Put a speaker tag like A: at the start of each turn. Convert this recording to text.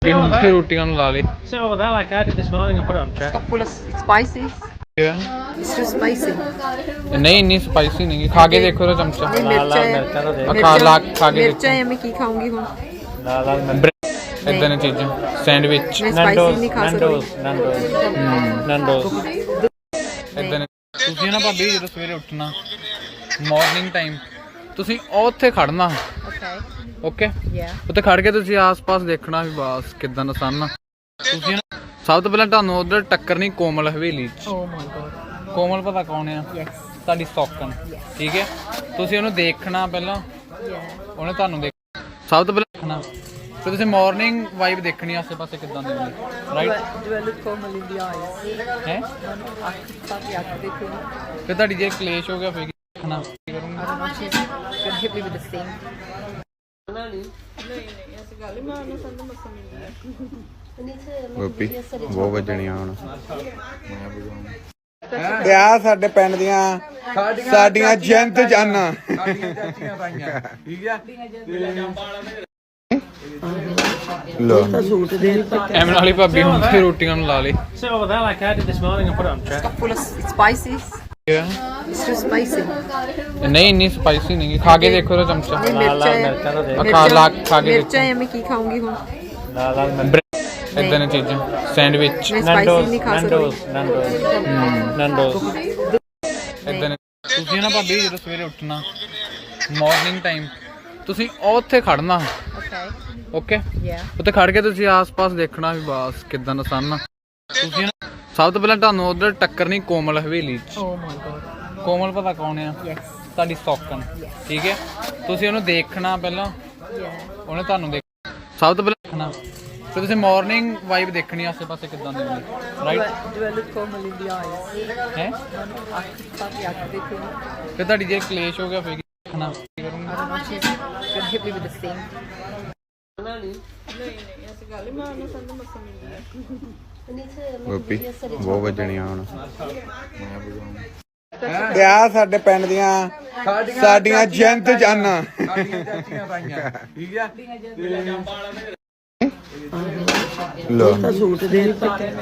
A: ਹੁਣ ਫਿਰ ਰੋਟੀਆਂ ਨੂੰ ਲਾ ਲੇ
B: So that like I did this morning and put it on track.
C: Full of spicy. It's too spicy.
A: ਨਹੀਂ ਇੰਨੀ ਸਪਾਈਸੀ ਨਹੀਂ ਖਾ ਕੇ ਦੇਖੋ ਤਾਂ ਚਮਚਾ
C: नहीं मिर्चा है
A: खा के
C: मिर्चा है मैं की खाऊंगी हूँ
A: ਇਦਾਂ ਦੀਆਂ ਚੀਜ਼ਾਂ ਸੈਂਡਵਿਚ
C: मैं स्पाइसी नहीं खा सकती
B: Nando's.
A: ਇਦਾਂ ਤੁਸੀਂ ਨਾ ਭਾਬੀ ਜਦੋਂ ਸਵੇਰੇ ਉੱਠਣਾ ਮਾਰਨਿੰਗ ਟਾਈਮ ਤੁਸੀਂ ਉੱਥੇ ਖੜਨਾ
C: Okay.
A: Okay
C: Yeah.
A: ਉੱਥੇ ਖੜ ਕੇ ਤੁਸੀਂ ਆਸ-ਪਾਸ ਦੇਖਣਾ ਵੀ ਬਸ ਕਿਦਾਂ ਦਾ ਸਨ ਤੁਸੀਂ ਨਾ ਸਭ ਤੋਂ ਪਹਿਲਾਂ ਤੁਹਾਨੂੰ ਉਧਰ ਟੱਕਰਨੀ ਕੋਮਲ ਹਵੇਲੀ 'ਚ
C: Oh my god.
A: ਕੋਮਲ ਪਤਾ ਕੌਣ ਆ
C: Yes.
A: ਤੁਹਾਡੀ ਸੌਕਣ ਠੀਕ ਹੈ ਤੁਸੀਂ ਉਹਨੂੰ ਦੇਖਣਾ ਪਹਿਲਾਂ
C: Yeah.
A: ਉਹਨੇ ਤੁਹਾਨੂੰ ਦੇਖ ਸਭ ਤੋਂ ਪਹਿਲਾਂ ਦੇਖਣਾ ਫਿਰ ਤੁਸੀਂ ਮਾਰਨਿੰਗ ਵਾਈਬ ਦੇਖਣੀ ਆਸੇ-ਪਾਸੇ ਕਿਦਾਂ ਦੀ ਹੁੰਦੀ right
C: Do I look formal in the eyes?
A: ਹੈ ਫਿਰ ਤੁਹਾਡੀ ਜੇ ਕਲੇਸ਼ ਹੋ ਗਿਆ ਫਿਰ ਕੀ ਦੇਖਣਾ ਕੀ ਕਰੂੰਗੀ
C: I don't know. She's gonna hit me with the sink.
D: Gopi ਬਹੁਤ ਵੱਜਣੀਆਂ ਹੁਣ ਆ ਸਾਡੇ ਪਿੰਡ ਦੀਆਂ ਸਾਡੀਆਂ ਜੰਤ ਜਾਨਾਂ ਲੋ
A: ਐਵੇਂ ਵਾਲੀ ਭਾਬੀ ਹੁਣ ਫਿਰ ਰੋਟੀਆਂ ਨੂੰ ਲਾ ਲੇ
B: So that like I did this morning and put it on track.
C: Full of spicy. It's too spicy.
A: ਨਹੀਂ ਇੰਨੀ ਸਪਾਈਸੀ ਨਹੀਂ ਖਾ ਕੇ ਦੇਖੋ ਤਾਂ ਚਮਚਾ
C: नहीं मिर्चा है
A: खा के
C: मिर्चा है मैं की खाऊंगी हूँ
A: ਇਦਾਂ ਦੀਆਂ ਚੀਜ਼ਾਂ ਸੈਂਡਵਿਚ
C: मैं स्पाइसी नहीं खा सकती
B: Nando's.
A: ਇਦਾਂ ਤੁਸੀਂ ਨਾ ਭਾਬੀ ਜਦੋਂ ਸਵੇਰੇ ਉੱਠਣਾ ਮਾਰਨਿੰਗ ਟਾਈਮ ਤੁਸੀਂ ਉੱਥੇ ਖੜਨਾ
C: Okay.
A: Okay
C: Yeah.
A: ਉੱਥੇ ਖੜ ਕੇ ਤੁਸੀਂ ਆਸ-ਪਾਸ ਦੇਖਣਾ ਵੀ ਬਸ ਕਿਦਾਂ ਦਾ ਸਨ ਤੁਸੀਂ ਨਾ ਸਭ ਤੋਂ ਪਹਿਲਾਂ ਤੁਹਾਨੂੰ ਉਧਰ ਟੱਕਰਨੀ ਕੋਮਲ ਹਵੇਲੀ 'ਚ
C: Oh my god.
A: ਕੋਮਲ ਪਤਾ ਕੌਣ ਆ
C: Yes.
A: ਤੁਹਾਡੀ ਸੌਕਣ ਠੀਕ ਹੈ ਤੁਸੀਂ ਉਹਨੂੰ ਦੇਖਣਾ ਪਹਿਲਾਂ
C: Yeah.
A: ਉਹਨੇ ਤੁਹਾਨੂੰ ਦੇਖ ਸਭ ਤੋਂ ਪਹਿਲਾਂ ਦੇਖਣਾ ਫਿਰ ਤੁਸੀਂ ਮਾਰਨਿੰਗ ਵਾਈਬ ਦੇਖਣੀ ਆਸੇ-ਪਾਸੇ ਕਿਦਾਂ ਦੀ ਹੁੰਦੀ right
C: Do I look formal in the eyes?
A: ਹੈ ਫਿਰ ਤੁਹਾਡੀ ਜੇ ਕਲੇਸ਼ ਹੋ ਗਿਆ ਫਿਰ ਕੀ ਦੇਖਣਾ ਕੀ ਕਰੂੰਗੀ
C: I don't know. She's gonna hit me with the sink.
D: Gopi ਬਹੁਤ ਵੱਜਣੀਆਂ ਹੁਣ ਆ ਸਾਡੇ ਪਿੰਡ ਦੀਆਂ ਸਾਡੀਆਂ ਜੰਤ ਜਾਨਾਂ ਲੋ